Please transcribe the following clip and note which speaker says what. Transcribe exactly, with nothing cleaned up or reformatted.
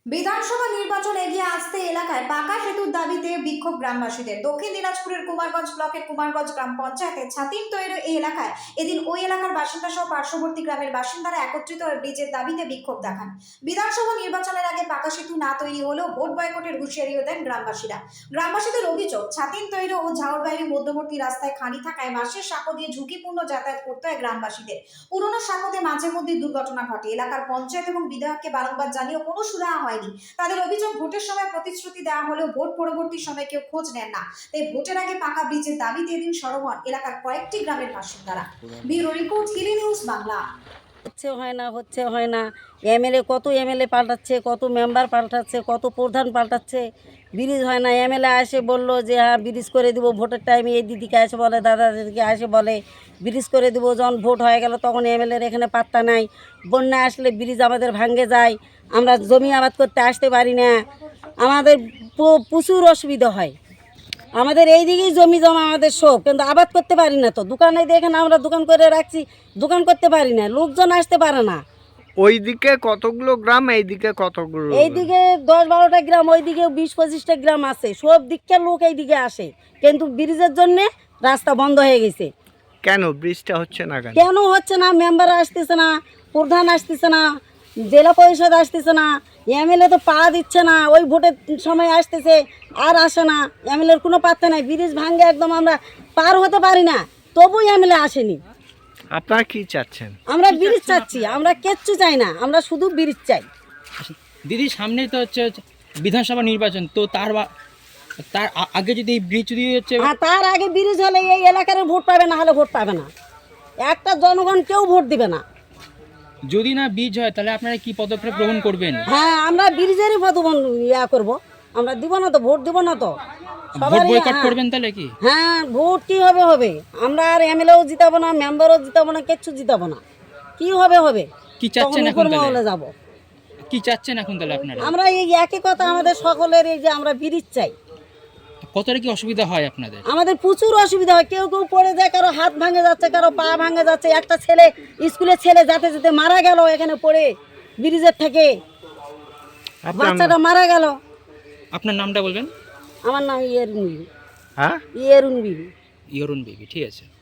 Speaker 1: বিধানসভা নির্বাচন এগিয়ে আসতে এলাকায় পাকা সেতুর দাবিতে বিক্ষোভ গ্রামবাসীদের। দক্ষিণ দিনাজপুরের কুমারগঞ্জ ব্লকের কুমারগঞ্জ গ্রাম পঞ্চায়েতের ছাতিম তৈরি এই এলাকায় এদিন ওই এলাকার বাসিন্দা সহ পার্শ্ববর্তী গ্রামের বাসিন্দারা একত্রিত হয়ে ব্রিজের দাবিতে বিক্ষোভ দেখান। বিধানসভা নির্বাচনের আগে পাকা সেতু না তৈরি হলেও ভোট বয়কটের হুঁশিয়ারিও দেন গ্রামবাসীরা। গ্রামবাসীদের অভিযোগ, ছাতিম তৈরি ও ঝাউরবাড়ি মধ্যবর্তী রাস্তায় খানি থাকায় বাঁশের সাঁকো দিয়ে ঝুঁকিপূর্ণ যাতায়াত করতে হয় গ্রামবাসীদের। পুরনো সাঁকোতে মাঝে মধ্যে দুর্ঘটনা ঘটে। এলাকার পঞ্চায়েত এবং বিধায়ককে বারংবার জানিয়েও কোনো সুরাহা হয়নি। তাদের অভিযোগ, ভোটের সময় প্রতিশ্রুতি দেওয়া হলেও ভোট পরবর্তী সময় কেউ খোঁজ নেন না। তাই ভোটের আগে পাকা ব্রিজের দাবিতে এদিন সরব হন এলাকার কয়েকটি গ্রামের বাসিন্দারা। Bureau report, Hili news Bangla.
Speaker 2: হচ্ছে হয় না হচ্ছে হয় না এমএলএ কত এমএলএ পাল্টাচ্ছে, কত মেম্বার পাল্টাচ্ছে, কত প্রধান পাল্টাচ্ছে, ব্রিজ হয় না। এমএলএ আসে বললো যে হ্যাঁ ব্রিজ করে দিব, ভোটের টাইমে এই দিদিকে আসে বলে, দাদা দিদিকে আসে বলে ব্রিজ করে দিব। যখন ভোট হয়ে গেল তখন এমএলএর এখানে পাত্তা নাই। বন্যা আসলে ব্রিজ আমাদের ভাঙে যায়, আমরা জমি আবাদ করতে আসতে পারি না, আমাদের প্রচুর অসুবিধা হয়। আমাদের এই দিকেই জমি জমা আমাদের সব, কিন্তু আবাদ করতে পারি না। তো দোকানে দেখেন আমরা দোকান করে রাখছি, দোকান করতে পারি না, লোকজন আসতে পারে না।
Speaker 3: ওইদিকে কতগুলো গ্রাম, এইদিকে কতগুলো?
Speaker 2: এইদিকে দশ বারোটা গ্রাম, ওইদিকে বিশ পঁচিশটা গ্রাম আছে। সব দিককার লোক এইদিকে আসে, কিন্তু ব্রিজের জন্য রাস্তা বন্ধ হয়ে গেছে।
Speaker 3: কেন ব্রিজটা হচ্ছে না? কেন
Speaker 2: কেন হচ্ছে না? মেম্বার আসতেছে না, প্রধান আসতেছে না, জেলা পরিষদ আসতেছে না, এমএলএ তো পা দিচ্ছে না। ওই ভোটের সময় আসতেছে আর আসে না, এমএলএর কোনো পাত্তা নাই। ব্রিজ ভাঙে একদম আমরা পার হতে পারি না, তবু এমএলএ আসেনি।
Speaker 3: আপনারা কি চাচ্ছেন?
Speaker 2: আমরা ব্রিজ চাচ্ছি, আমরা কিচ্ছু চাই না, আমরা শুধু ব্রিজ চাই।
Speaker 4: দিদি, সামনে তো হচ্ছে বিধানসভা নির্বাচন, তো তার বা- তার আ- আগে যদি এই ব্রিজ যদি হচ্ছে
Speaker 2: হ্যাঁ, তার আগে ব্রিজ হলে এই এলাকার ভোট পাবে, না হলে ভোট পাবে না। একটা জনগণ কেউ ভোট দিবে না।
Speaker 4: যদি না ব্রিজ হয় তাহলে আপনারা কি পদক্ষেপ গ্রহণ করবেন?
Speaker 2: হ্যাঁ, আমরা ব্রিজেরই প্রতিবন্ধ ইয়া করবো, আমরা দিব না তো, ভোট দিব না তো।
Speaker 4: ভোট
Speaker 2: সবারই
Speaker 4: বয়কট
Speaker 2: হ্যাঁ।
Speaker 4: করবেন তাহলে কি?
Speaker 2: হ্যাঁ, ভোট কি হবে হবে, আমরা আর এমএলএও জিতাবো না, মেম্বারও জিতাবো না, কিচ্ছু জিতাবো না। কি হবে হবে,
Speaker 4: কি চাচ্ছেন
Speaker 2: তখন
Speaker 4: এখন
Speaker 2: উপর মহলে
Speaker 4: তাহলে?
Speaker 2: যাবো।
Speaker 4: কি চাচ্ছেন এখন তাহলে আপনারা?
Speaker 2: আমরা এই একই কথা আমাদের সকলের, এই যে আমরা ব্রিজ চাই।
Speaker 4: কতটা কি অসুবিধা হয় আপনাদের?
Speaker 2: আমাদের প্রচুর অসুবিধা হয়, কেউ কেউ পড়ে যায়, কারো হাত ভাঙে যাচ্ছে, কারো পা ভাঙে যাচ্ছে। একটা ছেলে, স্কুলের ছেলে যেতে যেতে মারা গেল এখানে পড়ে ব্রিজের থেকে,
Speaker 3: আপনার
Speaker 2: বাচ্চাটা মারা গেল।
Speaker 4: আপনার নামটা বলবেন।
Speaker 2: আমার নাম ইয়েরুন বিবি।
Speaker 3: হ্যাঁ
Speaker 2: ইয়েরুন বিবি।
Speaker 4: ইয়রুন বেবি, ঠিক আছে।